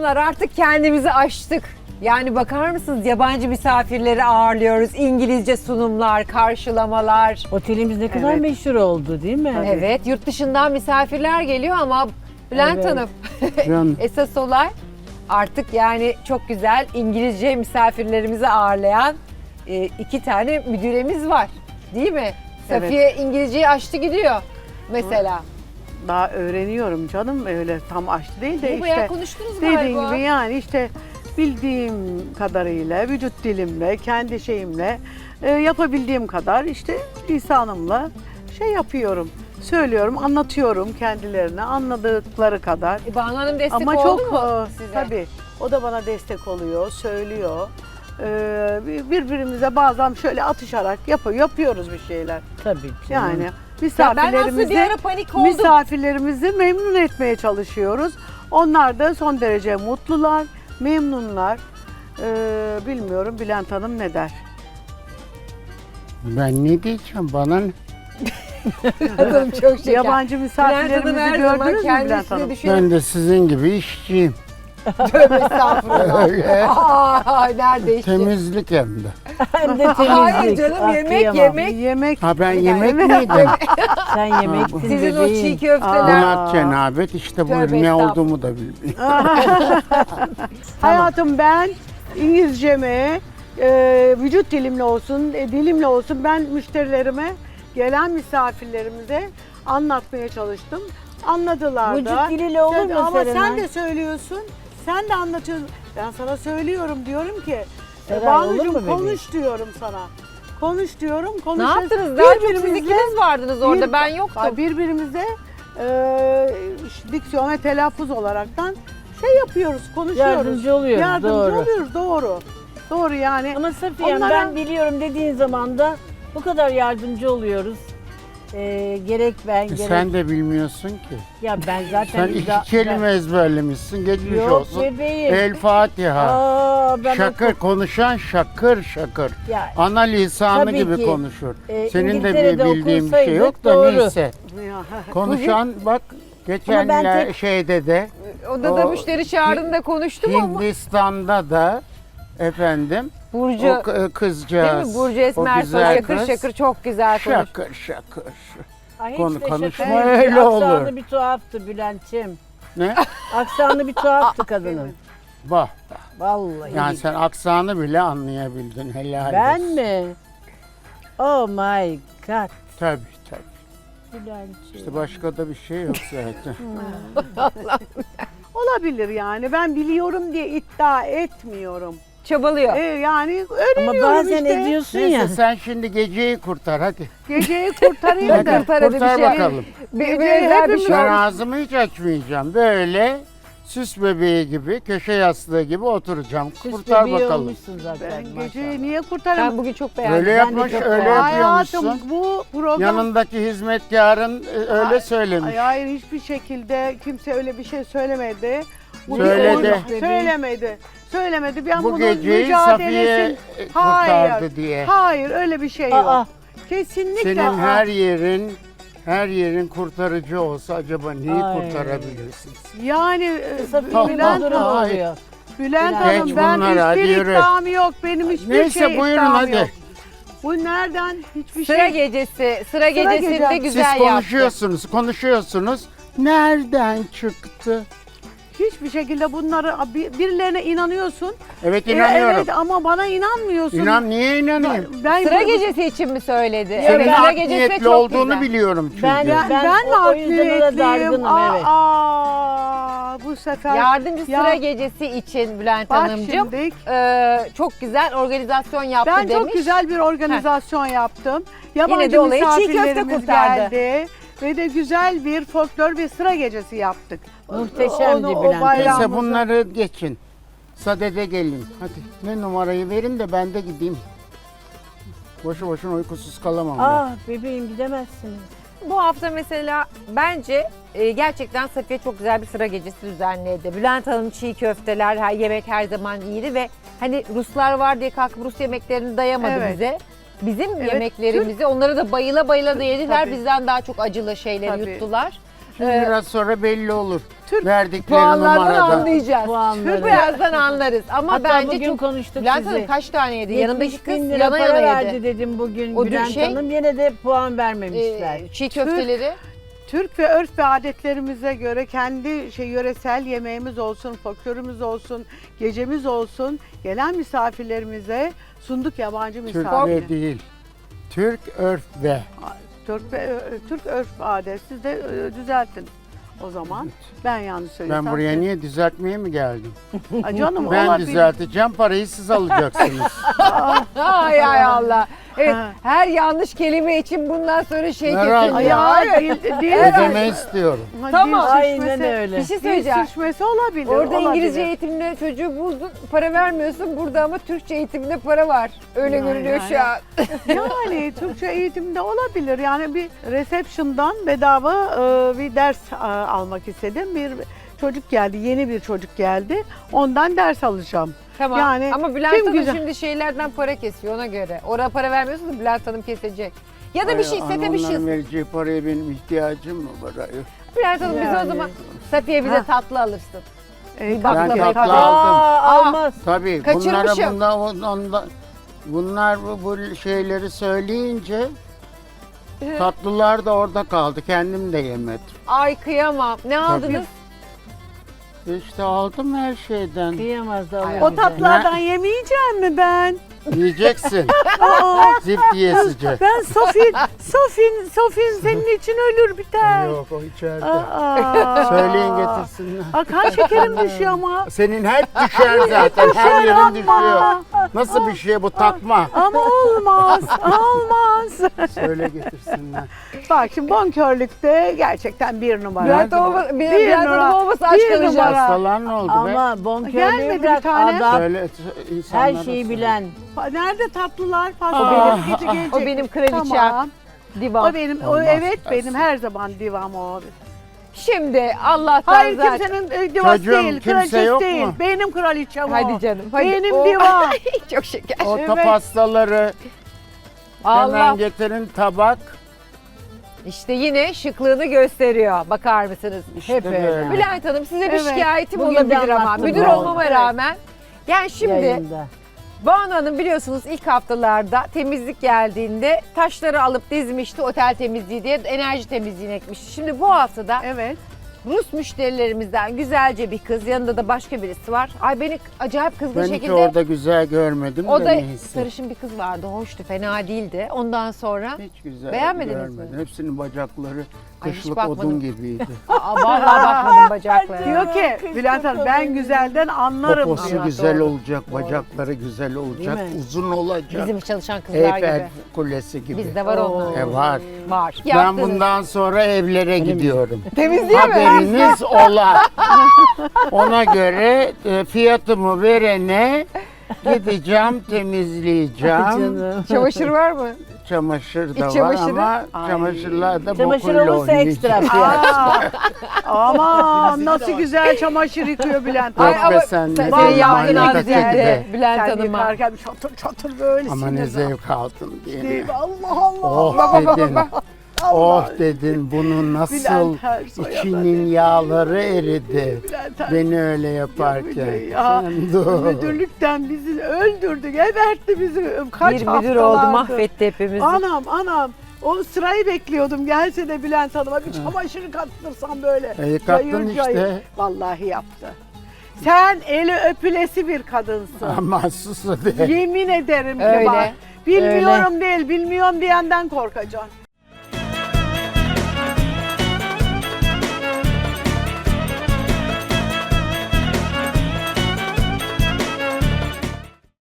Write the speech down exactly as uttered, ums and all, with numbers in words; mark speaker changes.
Speaker 1: Hanımlar artık kendimizi aştık. Yani bakar mısınız, yabancı misafirleri ağırlıyoruz. İngilizce sunumlar, karşılamalar.
Speaker 2: Otelimiz ne kadar
Speaker 3: Evet.
Speaker 2: meşhur oldu değil mi?
Speaker 1: Evet, yurt dışından misafirler geliyor ama Bülent
Speaker 2: Evet.
Speaker 1: Hanım
Speaker 4: Canım.
Speaker 1: esas olay artık yani çok güzel İngilizce misafirlerimizi ağırlayan e, iki tane müdüremiz var. Değil mi?
Speaker 3: Evet.
Speaker 1: Safiye İngilizceyi aştı gidiyor mesela.
Speaker 3: Daha öğreniyorum canım, öyle tam aşçı değil de
Speaker 1: Bu bayağı
Speaker 3: işte
Speaker 1: konuştunuz
Speaker 3: dediğin
Speaker 1: galiba.
Speaker 3: gibi yani işte bildiğim kadarıyla, vücut dilimle, kendi şeyimle e, yapabildiğim kadar işte lisanımla şey yapıyorum. Söylüyorum, anlatıyorum kendilerine anladıkları kadar.
Speaker 1: E, Banu Hanım destek
Speaker 3: Ama
Speaker 1: oldu
Speaker 3: çok
Speaker 1: mu
Speaker 3: e,
Speaker 1: size?
Speaker 3: tabii o da bana destek oluyor, söylüyor. Ee, birbirimize bazen şöyle atışarak yapıyor, yapıyoruz bir şeyler.
Speaker 2: Tabii canım.
Speaker 3: Yani
Speaker 1: Ya ben aslında bir
Speaker 3: misafirlerimizi
Speaker 1: ara panik oldum.
Speaker 3: misafirlerimizi memnun etmeye çalışıyoruz. Onlar da son derece mutlular, memnunlar. Ee, bilmiyorum Bülent Hanım ne der?
Speaker 4: Ben ne diyeceğim bana ne?
Speaker 1: Hanım çok şeker.
Speaker 3: Yabancı
Speaker 1: Bülent Hanım
Speaker 3: misafirlerimizi
Speaker 1: her zaman
Speaker 3: gördünüz mü Bülent
Speaker 1: kendisini
Speaker 3: Hanım?
Speaker 1: düşünüp
Speaker 4: Ben de sizin gibi işçiyim.
Speaker 1: tövbe estağfurullah. Aa, nerede işte?
Speaker 4: Temizlik hem de.
Speaker 2: Hem de temizlik.
Speaker 1: Hayır canım,
Speaker 2: Ah,
Speaker 1: yemek
Speaker 2: kıyamam.
Speaker 1: yemek.
Speaker 3: Yemek
Speaker 4: Ha ben
Speaker 1: Yani-
Speaker 4: yemek miydim?
Speaker 2: Sen yemeksin
Speaker 1: Sizin o
Speaker 2: bebeğim.
Speaker 1: çiğ köfteler.
Speaker 4: Buna cenabet işte buyur
Speaker 1: Tövbe
Speaker 4: ne
Speaker 1: estağfurullah.
Speaker 4: olduğumu da bilmiyorum.
Speaker 3: Hayatım ben İngilizceme, e, vücut dilimle olsun, e, dilimle olsun ben müşterilerime, gelen misafirlerimize anlatmaya çalıştım. Anladılar
Speaker 2: Vücut
Speaker 3: da.
Speaker 2: diliyle olur
Speaker 3: Sen-
Speaker 2: mu
Speaker 3: Ama sen
Speaker 2: Serenay?
Speaker 3: de söylüyorsun, sen de anlatıyorsun. Ben sana söylüyorum, diyorum ki,
Speaker 2: Serenay, olur mu
Speaker 3: Banucuğum
Speaker 2: bebeğim?
Speaker 3: konuş diyorum sana. Konuş diyorum,
Speaker 1: Ne
Speaker 3: konuşuyoruz.
Speaker 1: yaptınız? Daha çok siz
Speaker 3: Birbirimizle-
Speaker 1: ikiniz vardınız orada,
Speaker 3: bir-
Speaker 1: ben yoktum.
Speaker 3: Ay, birbirimize e, diksiyon ve telaffuz olaraktan şey yapıyoruz, konuşuyoruz.
Speaker 2: Yardımcı oluyoruz,
Speaker 3: Yardımcı
Speaker 2: doğru.
Speaker 3: oluyoruz, doğru. Doğru yani.
Speaker 2: Ama Safiye
Speaker 3: Onlara-
Speaker 2: ben biliyorum dediğin zaman da bu kadar yardımcı oluyoruz. Ee, gerek ben
Speaker 4: E
Speaker 2: gerek...
Speaker 4: sen de bilmiyorsun ki.
Speaker 2: Ya ben zaten...
Speaker 4: Sen iki
Speaker 2: ida-
Speaker 4: kelime ezberlemişsin. Geçmiş
Speaker 2: Yok
Speaker 4: olsun.
Speaker 2: bebeğim.
Speaker 4: El Fatiha.
Speaker 2: Aa, ben
Speaker 4: Şakır konuşan şakır şakır.
Speaker 2: Ya,
Speaker 4: Ana lisanı
Speaker 2: Tabii
Speaker 4: gibi
Speaker 2: ki.
Speaker 4: konuşur.
Speaker 2: e,
Speaker 4: Senin de
Speaker 2: İngiltere'de
Speaker 4: bir bildiğin bir şey yok da
Speaker 2: okursaydık doğru.
Speaker 4: neyse.
Speaker 3: Ya.
Speaker 4: Konuşan bak geçen
Speaker 2: ben
Speaker 4: la-
Speaker 2: tek-
Speaker 4: şeyde de
Speaker 1: Odada
Speaker 4: o-
Speaker 1: müşteri çağrında konuştum ama.
Speaker 4: Hindistan'da da efendim
Speaker 1: Burcu,
Speaker 4: o k- kızcağız.
Speaker 1: değil mi? Burcu
Speaker 4: o
Speaker 1: Esmersoy
Speaker 4: güzel
Speaker 1: şakır
Speaker 4: kız,
Speaker 1: şakır çok güzel konuş.
Speaker 4: Şakır şakır.
Speaker 2: Ay, hiç
Speaker 4: Konu-
Speaker 2: de şaka
Speaker 4: konuşma
Speaker 2: değil.
Speaker 4: öyle olur.
Speaker 2: Aksanı bir tuhaftı Bülent'ciğim.
Speaker 4: Ne?
Speaker 2: Aksanı bir tuhaftı kadının.
Speaker 4: Bak.
Speaker 2: Vallahi.
Speaker 4: Yani sen aksanı bile anlayabildin. Helal
Speaker 2: Ben
Speaker 4: olsun.
Speaker 2: mi? Oh my god.
Speaker 4: Tabii tabii.
Speaker 2: Bülent'ciğim.
Speaker 4: İşte başka da bir şey yok zaten.
Speaker 3: Olabilir yani. Ben biliyorum diye iddia etmiyorum.
Speaker 1: Çabalıyor.
Speaker 3: Ee, yani
Speaker 2: Ama
Speaker 3: öğreniyorum
Speaker 2: bazen
Speaker 3: işte.
Speaker 2: ediyorsun
Speaker 4: Neyse
Speaker 2: ya.
Speaker 4: sen şimdi geceyi kurtar hadi.
Speaker 3: Geceyi kurtarayım
Speaker 4: Hadi
Speaker 3: da.
Speaker 1: kurtar, hadi bir
Speaker 4: kurtar
Speaker 1: şey.
Speaker 4: bakalım.
Speaker 1: Bir, bir
Speaker 3: Geceyi
Speaker 1: özel bir
Speaker 3: hepimiz-
Speaker 1: şey
Speaker 4: Ben
Speaker 1: olmuş.
Speaker 4: ağzımı hiç açmayacağım. Böyle süs bebeği gibi, köşe yastığı gibi oturacağım.
Speaker 2: Süs
Speaker 4: kurtar
Speaker 2: bebeği
Speaker 4: bakalım.
Speaker 2: olmuşsun zaten
Speaker 3: Ben
Speaker 2: maşallah.
Speaker 3: geceyi niye kurtarayım?
Speaker 1: Ben bugün çok beğendim.
Speaker 4: Öyle
Speaker 2: Ben de
Speaker 4: yapmış,
Speaker 2: çok
Speaker 4: öyle
Speaker 2: beğendim.
Speaker 4: yapıyormuşsun.
Speaker 3: Hayatım bu program...
Speaker 4: Yanındaki hizmetkarın e, öyle
Speaker 3: Ay-
Speaker 4: söylemiş.
Speaker 3: Ay, hayır hiçbir şekilde kimse öyle bir şey söylemedi. Bu bir
Speaker 4: Söyledi.
Speaker 3: oyun- Söylemedi. Söylemedi. Ben
Speaker 4: Bu
Speaker 3: bunun
Speaker 4: geceyi Safiye
Speaker 3: mücadelesini...
Speaker 4: e, kurtardı
Speaker 3: Hayır.
Speaker 4: diye.
Speaker 3: Hayır öyle bir şey yok.
Speaker 2: Aa,
Speaker 3: Kesinlikle.
Speaker 4: Senin
Speaker 3: Aa,
Speaker 4: her yerin her yerin kurtarıcı olsa acaba neyi
Speaker 2: Ay.
Speaker 4: kurtarabilirsin?
Speaker 3: Yani e,
Speaker 2: Safiye
Speaker 3: Bülent,
Speaker 2: bir durum
Speaker 4: Hayır.
Speaker 2: oluyor.
Speaker 3: Bülent
Speaker 2: Geç
Speaker 3: Hanım ben
Speaker 4: bunları, hadi
Speaker 3: hiçbir
Speaker 4: yürü.
Speaker 3: iddiam yok. Benim hiçbir
Speaker 4: Neyse,
Speaker 3: şey
Speaker 4: buyurun,
Speaker 3: iddiam
Speaker 4: hadi.
Speaker 3: yok. Bu nereden? Hiçbir
Speaker 1: Sıra
Speaker 3: şey.
Speaker 1: gecesi, sıra gecesinde
Speaker 3: gecesi.
Speaker 1: güzel
Speaker 4: Siz
Speaker 1: yaptı.
Speaker 4: konuşuyorsunuz, konuşuyorsunuz. Nereden çıktı?
Speaker 3: Hiçbir şekilde bunları bir- birilerine inanıyorsun.
Speaker 4: Evet
Speaker 3: E,
Speaker 4: inanıyorum.
Speaker 3: evet ama bana inanmıyorsun.
Speaker 4: İnan niye inanayım?
Speaker 3: Ben
Speaker 1: Sıra
Speaker 3: bu-
Speaker 1: gecesi için mi söyledi?
Speaker 4: Senin
Speaker 1: Evet, sıra
Speaker 4: art
Speaker 1: gecesi de
Speaker 4: niyetli
Speaker 1: çok
Speaker 4: olduğunu
Speaker 1: güzel.
Speaker 4: biliyorum çünkü.
Speaker 2: Ben-
Speaker 3: Ben,
Speaker 2: Ben
Speaker 3: ben,
Speaker 2: o-
Speaker 3: mi
Speaker 2: o yüzden ona
Speaker 3: hakniyetliyim?
Speaker 2: dargınım,
Speaker 3: Aa,
Speaker 2: evet.
Speaker 3: aa, bu sefer
Speaker 1: Yardımcı
Speaker 3: Ya-
Speaker 1: sıra gecesi için Bülent
Speaker 3: Bak
Speaker 1: Hanımcığım
Speaker 3: şimdi,
Speaker 1: e, çok güzel organizasyon yaptı
Speaker 3: ben
Speaker 1: demiş.
Speaker 3: çok güzel bir organizasyon yaptım. Yabancı
Speaker 1: de olayı çiğ köfte
Speaker 3: misafirlerimiz
Speaker 1: kurtardı.
Speaker 3: geldi ve de güzel bir folklor ve sıra gecesi yaptık.
Speaker 2: Muhteşemdi
Speaker 3: Onu- o
Speaker 2: Bülent Hanım.
Speaker 3: bayramımızı-
Speaker 4: Neyse bunları geçin. Sadede gelin. Hadi ne numarayı verin de ben de gideyim. Boşu boşuna uykusuz kalamam ben.
Speaker 2: Ah bebeğim gidemezsiniz.
Speaker 1: Bu hafta mesela bence e, gerçekten Safiye çok güzel bir sıra gecesi düzenledi. Bülent Hanım çiğ köfteler, her yemek her zaman iyiydi ve hani Ruslar var diye kalkıp Rus yemeklerini dayamadı
Speaker 3: Evet.
Speaker 1: bize. Bizim
Speaker 3: Evet,
Speaker 1: yemeklerimizi onları da bayıla bayıla da yediler.
Speaker 3: Tabii.
Speaker 1: Bizden daha çok acılı şeyleri
Speaker 3: Tabii.
Speaker 1: yuttular.
Speaker 4: Şimdi
Speaker 1: Ee,
Speaker 4: biraz sonra belli olur.
Speaker 3: Türk
Speaker 4: Verdikleri
Speaker 1: Puanlardan
Speaker 4: numarada.
Speaker 1: anlayacağız.
Speaker 2: Puanları.
Speaker 1: Birazdan anlarız. Ama
Speaker 2: Hatta
Speaker 1: bence
Speaker 2: bugün
Speaker 1: çok...
Speaker 2: konuştuk
Speaker 1: Bülent
Speaker 2: sizi.
Speaker 1: Hanım kaç tane yedi? Yanındaki
Speaker 2: yetmiş
Speaker 1: kız
Speaker 2: bin lira
Speaker 1: yana
Speaker 2: para
Speaker 1: yana
Speaker 2: verdi
Speaker 1: yedi.
Speaker 2: dedim bugün
Speaker 1: O
Speaker 2: Bülent
Speaker 1: şey-
Speaker 2: Hanım. Yine de puan vermemişler.
Speaker 1: Ee, çiğ köfteleri.
Speaker 3: Türk ve örf ve adetlerimize göre kendi şey yöresel yemeğimiz olsun, folklorumuz olsun, gecemiz olsun. Gelen misafirlerimize sunduk yabancı
Speaker 4: Türk
Speaker 3: misafir.
Speaker 4: ve değil. Türk örf ve.
Speaker 3: Türk ve ö- Türk örf ve adet. Siz de e, düzeltin o zaman. Ben yanlış söylüyorsam.
Speaker 4: Ben buraya niye düzeltmeye mi geldim?
Speaker 3: Aa, canım
Speaker 4: Ben
Speaker 3: olabilir.
Speaker 4: düzelteceğim, parayı siz alacaksınız.
Speaker 1: Ay ay Allah. Evet,
Speaker 3: Ha.
Speaker 1: her yanlış kelime için bundan sonra şey
Speaker 4: Herhalde.
Speaker 1: kesin.
Speaker 3: Ay, ya, dil, dil,
Speaker 4: Ödeme istiyorum.
Speaker 3: Ha,
Speaker 1: Tamam.
Speaker 3: dil
Speaker 2: Aynen
Speaker 3: sürçmesi-
Speaker 2: öyle.
Speaker 1: Bir şey
Speaker 3: Dil
Speaker 1: söyleyeceğim.
Speaker 3: sürçmesi olabilir.
Speaker 1: Orada
Speaker 3: olabilir.
Speaker 1: İngilizce eğitimine çocuğu buldun, para vermiyorsun. Burada ama Türkçe eğitimine para var. Öyle
Speaker 3: Yani,
Speaker 1: görünüyor
Speaker 3: yani.
Speaker 1: şu an.
Speaker 3: Yani Türkçe eğitimde olabilir. Yani bir reception'dan bedava e, bir ders e, almak istedim. Bir çocuk geldi, yeni bir çocuk geldi. Ondan ders alacağım.
Speaker 1: Tamam.
Speaker 3: Yani
Speaker 1: ama Bülent
Speaker 3: kim
Speaker 1: Hanım
Speaker 3: güzel-
Speaker 1: şimdi şeylerden para kesiyor ona göre. Oraya para vermiyorsun da Bülent Hanım kesecek. Ya da bir şey,
Speaker 4: Ay,
Speaker 1: sete bir şey.
Speaker 4: onların vereceği paraya benim ihtiyacım mı var? Ay,
Speaker 1: Bülent Hanım bize o
Speaker 2: Yani.
Speaker 1: zaman Safiye bize
Speaker 3: Ha.
Speaker 1: tatlı alırsın.
Speaker 3: E,
Speaker 1: Bak-
Speaker 4: Ben
Speaker 1: Baklava.
Speaker 4: tatlı
Speaker 3: tabii.
Speaker 4: aldım.
Speaker 2: Aa, almaz.
Speaker 4: Tabii bunlara
Speaker 1: Kaçırmışım.
Speaker 4: bunda, onda, bunlar bu, bu şeyleri söyleyince tatlılar da orada kaldı. Kendim de yemedim.
Speaker 1: Ay kıyamam. Ne aldınız?
Speaker 4: İşte aldım her şeyden.
Speaker 2: Kıyamaz da
Speaker 1: Ay,
Speaker 2: alır
Speaker 3: O
Speaker 2: bize.
Speaker 3: tatlardan yemeyeceğim mi ben?
Speaker 4: Yiyeceksin.
Speaker 3: Aa,
Speaker 4: Zift yiyesice.
Speaker 3: ben Sofin, Sofin, Sofin senin için ölür biter.
Speaker 4: Yok o içeride.
Speaker 3: Aa.
Speaker 4: Söyleyin getirsinler.
Speaker 3: Aa, kan şekerim düşüyor ama.
Speaker 4: Senin hep düşer zaten. Her yerin düşüyor. Nasıl bir şey bu takma?
Speaker 3: Ama olmaz, olmaz.
Speaker 4: Söyle getirsinler.
Speaker 3: Bak şimdi bonkörlükte gerçekten bir numara.
Speaker 1: Bülent, olma,
Speaker 3: Bir
Speaker 1: Bülent
Speaker 3: numara,
Speaker 1: Hanım olmasa aç
Speaker 3: bir
Speaker 1: kalacağız.
Speaker 3: numara.
Speaker 4: Hastalar ne oldu be?
Speaker 2: Ama bonkörlüğü
Speaker 3: Gelmedi bir
Speaker 2: bırak
Speaker 3: tane.
Speaker 2: adam.
Speaker 4: Söyle insanlara
Speaker 2: Her şeyi
Speaker 4: söyle.
Speaker 2: bilen.
Speaker 3: Pa- Nerede tatlılar?
Speaker 4: Aa.
Speaker 3: Pasta benim gece gelecek.
Speaker 1: O benim kraliçem.
Speaker 3: Tamam.
Speaker 1: Divan.
Speaker 3: O benim, o
Speaker 4: Olmaz,
Speaker 3: evet
Speaker 4: dersin.
Speaker 3: benim her zaman divam o.
Speaker 1: Şimdi Allah'tan
Speaker 3: Hayır
Speaker 1: zaten.
Speaker 3: kimsenin e, divası
Speaker 4: Çocuğum,
Speaker 3: değil,
Speaker 4: kimse
Speaker 3: kraliçesi
Speaker 4: yok
Speaker 3: değil.
Speaker 4: mu?
Speaker 3: Benim kraliçem o.
Speaker 1: Hadi canım. Hadi.
Speaker 3: Benim
Speaker 1: O-
Speaker 3: divan.
Speaker 1: Çok şeker.
Speaker 4: O
Speaker 3: Evet.
Speaker 4: top pastaları
Speaker 1: Allah.
Speaker 4: hemen getirin tabak.
Speaker 1: İşte yine şıklığını gösteriyor. Bakar mısınız?
Speaker 4: İşte
Speaker 1: Hep öyle.
Speaker 4: böyle.
Speaker 1: Bülent Hanım size bir
Speaker 3: Evet.
Speaker 1: şikayetim
Speaker 2: Bugün de
Speaker 1: olabilir ama.
Speaker 2: anlattım
Speaker 1: Müdür
Speaker 2: ben.
Speaker 1: olmama
Speaker 3: Evet.
Speaker 1: rağmen. Yani şimdi
Speaker 2: Yayında.
Speaker 1: Banu Hanım biliyorsunuz ilk haftalarda temizlik geldiğinde taşları alıp dizmişti otel temizliği diye enerji temizliğini ekmişti. Şimdi bu haftada
Speaker 3: Evet.
Speaker 1: Rus müşterilerimizden güzelce bir kız, yanında da başka birisi var. Ay beni acayip kızgın
Speaker 4: Ben hiç
Speaker 1: şekilde...
Speaker 4: orada güzel görmedim
Speaker 1: O
Speaker 4: de
Speaker 1: da
Speaker 4: neyse.
Speaker 1: sarışın bir kız vardı, hoştu, fena değildi. Ondan sonra...
Speaker 4: Hiç güzel
Speaker 1: Beğenmediniz
Speaker 4: görmedim.
Speaker 1: mi?
Speaker 4: Hepsinin bacakları
Speaker 1: Ay, hiç
Speaker 4: kışlık
Speaker 1: bakmadım.
Speaker 4: odun gibiydi.
Speaker 1: Aa, vallahi bakmadım bacaklarına.
Speaker 3: Diyor ki Bülent Hanım ben güzelden anlarım
Speaker 4: Poposu
Speaker 3: diyor.
Speaker 4: güzel
Speaker 1: doğru.
Speaker 4: olacak, bacakları güzel olacak,
Speaker 2: Değil mi?
Speaker 4: uzun olacak.
Speaker 1: Bizim çalışan kızlar
Speaker 4: Eyfel
Speaker 1: gibi.
Speaker 4: Kulesi gibi.
Speaker 1: Bizde var onlar.
Speaker 4: E var.
Speaker 1: Var.
Speaker 4: Ben
Speaker 1: Yaptınız.
Speaker 4: bundan sonra evlere gidiyorum.
Speaker 1: Temizliğe mi?
Speaker 4: Haberiniz ola. Ona göre e, fiyatımı verene gideceğim, temizleyeceğim.
Speaker 2: Canım.
Speaker 1: Çamaşır var mı?
Speaker 4: Çamaşır da
Speaker 1: İç
Speaker 4: var
Speaker 1: çamaşırı?
Speaker 4: ama
Speaker 3: Ay.
Speaker 4: çamaşırlar da
Speaker 2: Çamaşır
Speaker 4: bokuyla
Speaker 2: olursa ekstra
Speaker 4: oynayacak.
Speaker 2: fiyat.
Speaker 3: Aa, aman nasıl güzel çamaşır yıkıyor Bülent
Speaker 1: Ay,
Speaker 4: Yok
Speaker 3: Hanım.
Speaker 1: ama
Speaker 4: be sen.
Speaker 1: sen-
Speaker 4: ne
Speaker 3: Vallahi
Speaker 1: senin yaptığın
Speaker 4: manyak
Speaker 3: güzel.
Speaker 1: hadiseydi
Speaker 4: de.
Speaker 1: Bülent
Speaker 3: Sen
Speaker 1: Hanım'a.
Speaker 3: yıkarken bir çatır çatır böyle
Speaker 4: Ama ne
Speaker 3: sinirden.
Speaker 4: zevk aldın diye.
Speaker 3: Değil mi? Allah Allah.
Speaker 4: Oh
Speaker 1: Bak, bak,
Speaker 4: dedin.
Speaker 1: bak, bak.
Speaker 4: Oh dedin bunu nasıl
Speaker 3: Bülent Ersoy'a da
Speaker 4: içinin yağları eridi.
Speaker 3: Bülent Ersoy.
Speaker 4: Beni öyle yaparken.
Speaker 3: Ya,
Speaker 4: Sen dur.
Speaker 3: müdürlükten bizi öldürdü, gebertti bizi. Kaç
Speaker 1: Bir müdür oldu,
Speaker 3: haftalardır.
Speaker 1: mahvetti hepimizi.
Speaker 3: Anam anam. O sırayı bekliyordum. Gelse de Bülent Hanım'a bir çamaşırı kattırsam böyle.
Speaker 4: E, yıkattın
Speaker 3: Cayır
Speaker 4: işte.
Speaker 3: cayır. Vallahi yaptı. Sen eli öpülesi bir kadınsın.
Speaker 4: Ama sus hadi.
Speaker 3: Yemin ederim ki
Speaker 1: Öyle,
Speaker 3: bak. Bilmiyorum değil, bilmiyorum diyenden korkacaksın.